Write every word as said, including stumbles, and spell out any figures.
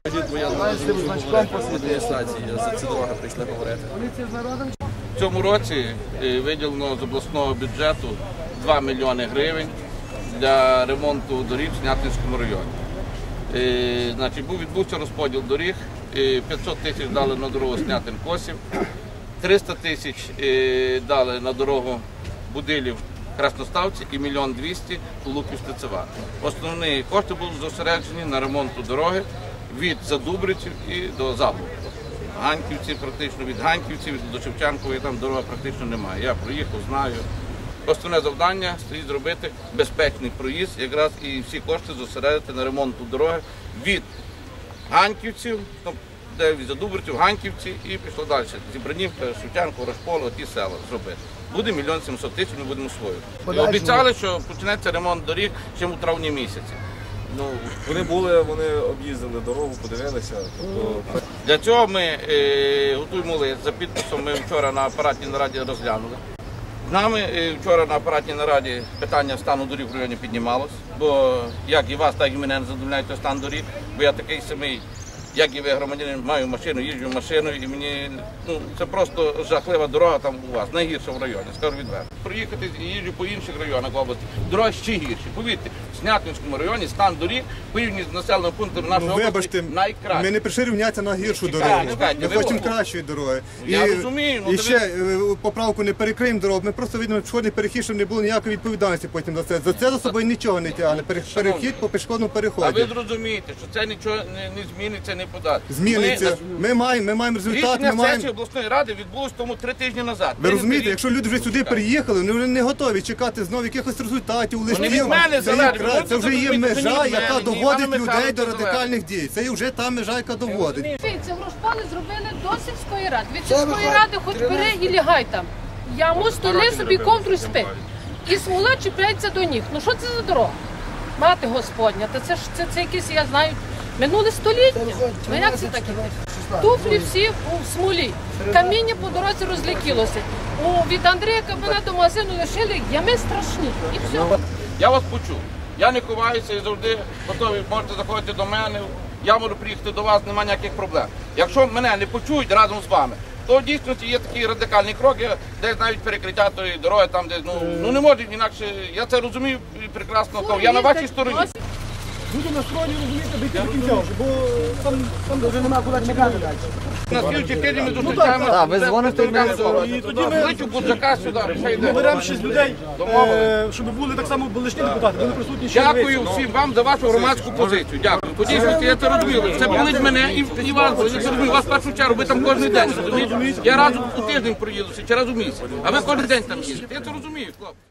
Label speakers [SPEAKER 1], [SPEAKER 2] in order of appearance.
[SPEAKER 1] Бо я значком по адміністрації за ці дороги прийшли говорити. В цьому році виділено з обласного бюджету два мільйони гривень для ремонту доріг в Снятинському районі. І, значить, був відбувся розподіл доріг, п'ятсот тисяч дали на дорогу Снятин-Косів, триста тисяч дали на дорогу Будилів-Красноставці і мільйон двісті Луків-Стецева. Основні кошти були зосереджені на ремонту дороги від Задубриців і до Забув. Ганьківці, практично від Ганьківців до Шевченкової там дороги практично немає. Я проїхав, знаю. Основне завдання стоїть зробити безпечний проїзд, якраз і всі кошти зосередити на ремонту дороги від Ганьківців, де від Задубриців, Ганьківці і пішло далі. Зібранівка, Шевченко, Рашполо, ті села зробити. Буде мільйон сімсот тисяч, ми будемо свою. Обіцяли, що почнеться ремонт доріг ще у травні місяці.
[SPEAKER 2] Ну, вони були, вони об'їздили дорогу, подивилися. Тобто...
[SPEAKER 1] Для цього ми е, готуємо лист за підписом, ми вчора на апаратній нараді розглянули. З нами е, вчора на апаратній нараді питання стану доріг в районі піднімалось, бо як і вас, так і мене не задовольняє той стан доріг, бо я такий самий, як і ви, громадянин, маю машину, їжджу машиною, і мені, ну, це просто жахлива дорога там у вас, найгірша в районі, скажу відверто. Проїхати і їжджу по інших районах області, дороги ще гірші. Повірте, в Снятинському районі стан доріг, порівняно з населеним пунктом нашої
[SPEAKER 3] ну,
[SPEAKER 1] області, найкраще.
[SPEAKER 3] Ми не прийшли рівнятися на гіршу дорогу, ми хочемо кращої дороги.
[SPEAKER 1] Я
[SPEAKER 3] і,
[SPEAKER 1] розумію. Ну,
[SPEAKER 3] і ще ви... поправку не перекриємо дорогу, ми просто видимо пішохідний перехід, щоб не було ніякої відповідальності потім за це. За це за собою нічого не тягне, перехід по пішохідному переході.
[SPEAKER 1] А ви зрозумієте, що це нічого не, не зміниться, не подати.
[SPEAKER 3] Зміниться. Ми, ми, маємо, ми маємо результат.
[SPEAKER 1] Рішення
[SPEAKER 3] ми маємо...
[SPEAKER 1] сесії обласної ради відбулось тому три тижні назад.
[SPEAKER 3] Ви розумієте, якщо люди вже сюди приїхали, вони не готові чекати знову якихось результатів, листів. Це, це вже є межа, яка доводить людей до радикальних дій. Це вже та межа, яка доводить.
[SPEAKER 4] Це в Рушполі зробили до сільської ради. Від сільської ради хоч бери і лягай там. Яму столи собі ковдру спи. І смола чіпляється до ніг. Ну що це за дорога? Мати Господня, та це ж це, це якісь, я знаю, минуле століття. Ну як це таке? Туфлі всі у смолі. Каміння по дорозі розлетілося. О, від Андрія Кабана до магазину лишили ями страшні. І все.
[SPEAKER 1] Я вас почув. Я не ховаюся і завжди готовий. Можете заходити до мене. Я можу приїхати до вас, немає ніяких проблем. Якщо мене не почують разом з вами, то в дійсності є такі радикальні кроки, десь навіть перекриття тої дороги, там десь, ну, ну не може інакше, я це розумію прекрасно, то я на вашій стороні.
[SPEAKER 5] Люди настроєні, розумієте, дійти до кінця вже, бо там, там вже немає куди чекати далі.
[SPEAKER 1] На слідчій тижні ми зустрічаємо.
[SPEAKER 6] Так, ви дзвоните в мене.
[SPEAKER 5] І тоді ми
[SPEAKER 1] Кличу Буджака сюди, ще йде.
[SPEAKER 5] беремо шість людей, е, щоб були так само лишні депутати, були присутні ще.
[SPEAKER 1] Дякую всім вам за вашу громадську позицію. Дякую. По дійсності я це розумію. Це болить мене і, і вас болить. Я це розумію. Вас в першу чергу, ви там кожен день, розумієте? Я раз у тиждень проїдуся, чи раз у місяць. А ви кожен день там їздите. Я це розумію, хлопці.